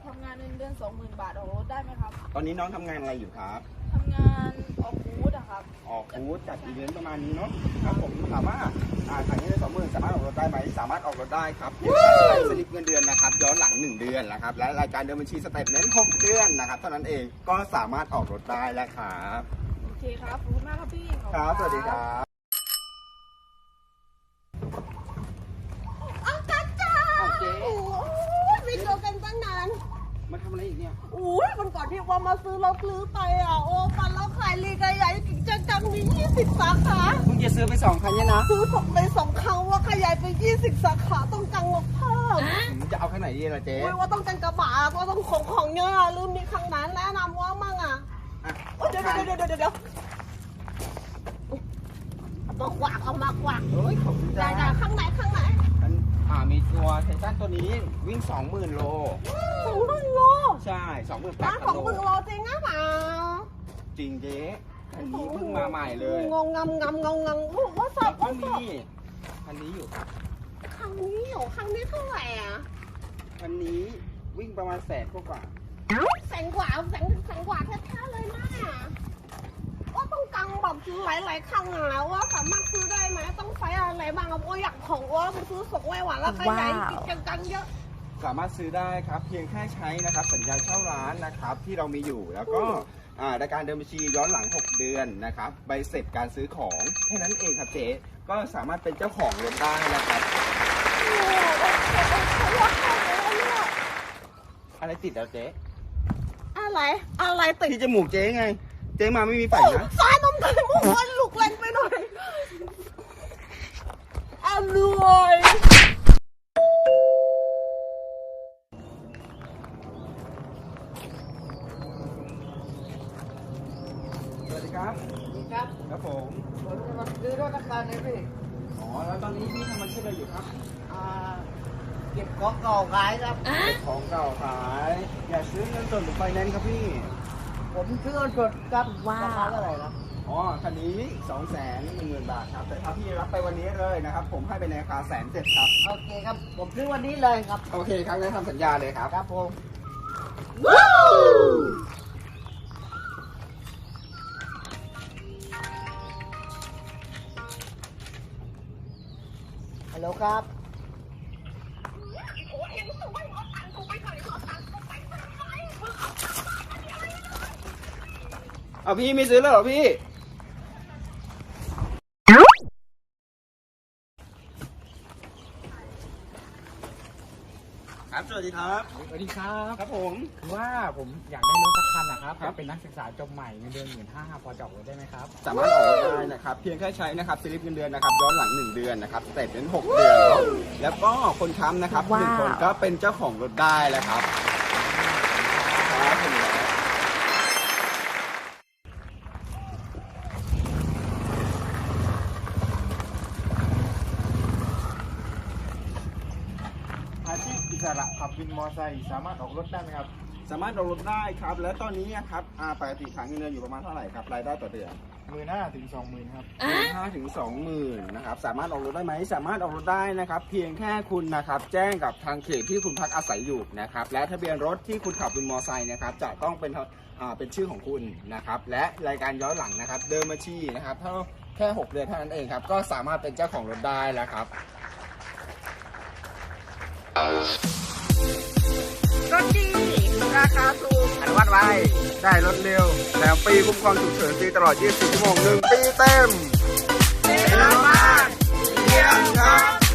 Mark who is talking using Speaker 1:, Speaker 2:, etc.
Speaker 1: ทำงานเงินเดือน20,000 บาทออกรถได้ไหมครับ
Speaker 2: ตอนนี้น้องทำงานอะไรอยู่ครับ
Speaker 1: ทำงานออกบูธอะครับ
Speaker 2: ออกบูธจัดอีเวนต์ประมาณนี้เนาะครับผมถามว่าทางนี้ได้20,000สามารถออกรถได้ไหมสามารถออกรถได้ครับเพียงแค่ใช้สลิปเงินเดือนนะครับย้อนหลัง1 เดือนนะครับและรายการเดินบัญชีสเตทเมนต์6 เดือนนะครับเท่านั้นเองก็สามารถออกรถได้แล้วครับ
Speaker 1: โอเคครับขอบคุณมากครับพี่
Speaker 2: ครับสวัสดีครับ
Speaker 3: โอ้ยไม่เจอกันตั้งนาน
Speaker 2: มาทำอะไรอีกเนี่ย
Speaker 3: อุ้ยวันก่อนที่ว่ามาซื้อรถลื้อไปอ่ะโอ้ปันแล้วขายลีกใหญ่จังมี20 สาขา
Speaker 2: เพิ่งจะซื้อไป2 คันเนี่ยนะ
Speaker 3: ซื้อส่งไป2 ครั้งว่าขยายไป20 สาขาต้องจังงบเพิ่ม
Speaker 2: จะเอาคันไหนดีล่ะเจ๊
Speaker 3: ว่าต้องจังกระบะว่าต้องของเยอะลืมมีข้างนั้นแนะนำว่ามั่งอ่ะเดี๋ยวมากวักเอามากวัก
Speaker 2: เฮ้ยขอบคุณจ้า
Speaker 3: ข้างไหน
Speaker 2: มีตัวไททันตัวนี้วิ่ง 20,000 โล
Speaker 3: 20,000 โล
Speaker 2: ใช่28,000
Speaker 3: โลจริงนะเปล่า
Speaker 2: จริงเจ๊อันนี้เพิ่งมาใหม่เลย
Speaker 3: งงว่าสับ
Speaker 2: ก็มีคันนี้อยู่ครับ
Speaker 3: คันนี้เท่าไหร่อ่ะ
Speaker 2: คันนี้วิ่งประมาณ100,000 กว่า
Speaker 3: แสนกว่าแท้ๆเลยนะว่าต้องกังแบบหลายครั้งแล้วว่าสามารถซื้อได้ไหมต้องใช้อะไรบ้างว่าอยากของว่าไปซื้อส่งไว้หวานแล้วขยายจังเยอะ
Speaker 2: สามารถซื้อได้ครับเพียงแค่ใช้นะครับสัญญาเช่าร้านนะครับที่เรามีอยู่แล้วก็รายการเดินบัญชีย้อนหลัง6 เดือนนะครับใบเสร็จการซื้อของแค่นั้นเองครับเจ๊ก็สามารถเป็นเจ้าของรถได้นะครับอะไรติดแล้วเจ๊
Speaker 3: อะไรติด
Speaker 2: ที่จมูกเจ๊ไงเจ๊มาไม่มีไฝนะ
Speaker 3: ฟ้านมไข่มุกมันลุกแรงไปหน่อยอร่อย
Speaker 2: สวัสดีครับครับผม
Speaker 3: จะมาซื้อรถราคาไหนพี่
Speaker 2: แล้วตอนนี้พี่ทำอาชีพอะไรอยู่ครับ
Speaker 3: เก็บของเก่าขายครับ
Speaker 2: เก็บของเก่าขายอยากซื้อเงินสดหรือไฟแนนซ์ครับพี่
Speaker 3: ผมซื้อเงินสดครับราคาเท่าไหร่ครับ
Speaker 2: คันนี้210,000 บาทครับแต่ถ้าพี่รับไปวันนี้เลยนะครับผมให้ไปในราคา170,000ครับ
Speaker 3: โอเคครับผมซื้อวันนี้เลยครับ
Speaker 2: โอเคครับงั้นทำสัญญาเลยครับ
Speaker 3: ครับผมฮัลโหลครับ
Speaker 2: พี่ไม่ซื้อแล้วเหรอพี่ครับสวัสดีครับครับผม
Speaker 4: คือว่าผมอยากได้รถสักคันนะครับเป็นนักศึกษาจบใหม่เงินเดือน15,000พอจะออกรถได้ไหมครับ
Speaker 2: สามารถออกรถได้นะครับเพียงแค่ใช้นะครับสลิปเงินเดือนนะครับย้อนหลัง1 เดือนนะครับแต่เป็น6 เดือนแล้วก็คนค้ำนะครับ1 คนก็เป็นเจ้าของรถได้แล้วครับ
Speaker 4: อาชีพอิสระขับวินมอเตอร์ไซค์สามารถออกรถได้ไหมครับ
Speaker 2: สามารถออกรถได้ครับและตอนนี้ครับปกติขายเงินเดือนอยู่ประมาณเท่าไหร่ครับรายได้ต่อเดือน
Speaker 4: 15,000 ถึง 20,000ครับ
Speaker 2: 15,000 ถึง 20,000นะครับสามารถออกรถได้ไหมสามารถออกรถได้นะครับเพียงแค่คุณนะครับแจ้งกับทางเขตที่คุณพักอาศัยอยู่นะครับและทะเบียนรถที่คุณขับวินมอเตอร์ไซค์นะครับจะต้องเป็นชื่อของคุณนะครับและรายการย้อนหลังนะครับเดินบัญชีนะครับเท่าแค่6 เดือนเท่านั้นเองครับก็สามารถเป็นเจ้าของรถได้แล้วครับ
Speaker 3: รถดีราคาถูก
Speaker 2: อนุมัติไว้ได้รถเร็วแถมฟรีคุ้มครองฉุกเฉินฟรีตลอด24 ชั่วโมง1 ปีเต็ม
Speaker 3: เยี่ยมมาก
Speaker 2: เยี่ยมครับ